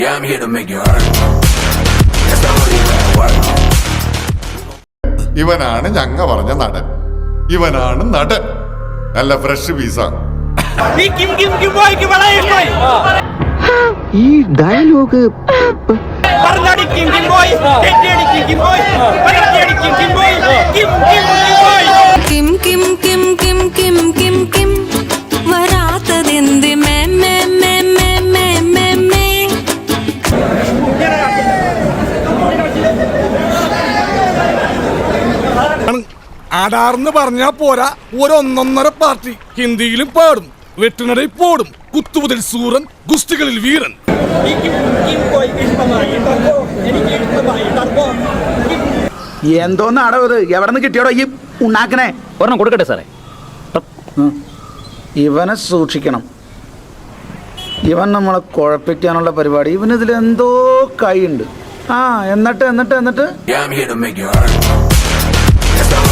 Yeah, I'm here to make you hurt. That's not really gonna work. ഇവനാണ് ഞങ്ങ പറഞ്ഞ നടൻ. ഇവനാണ് നടൻ. നല്ല ഫ്രഷ് പീസ. ഈ ഡയലോഗ് കിം കിം കിം കിം കിം കിം കിം വരാത്തതെന്ത് മേ മേ മേ മേ മേ മേ മേ. ആടാർന്ന് പറഞ്ഞാ പോരാ, ഒരൊന്നൊന്നര പാർട്ടി ഹിന്ദിയിലും പാടും, വെട്ടിനടയിൽ പോടും, കുത്തുമുതൽ സൂറൻ, ഗുസ്തികളിൽ വീരൻ. എന്തോന്നാടോ ഇത്? എവിടെ നിന്ന് കിട്ടിയോടോ ഈ ഉണ്ടാക്കണേ? ഒരെണ്ണം കൊടുക്കട്ടെ സാറേ. ഇവനെ സൂക്ഷിക്കണം. ഇവൻ നമ്മളെ കുഴപ്പിക്കാനുള്ള പരിപാടി. ഇവനിതിൽ എന്തോ കൈയുണ്ട്. എന്നിട്ട് Yeah, I'm here to make you hurt. That's not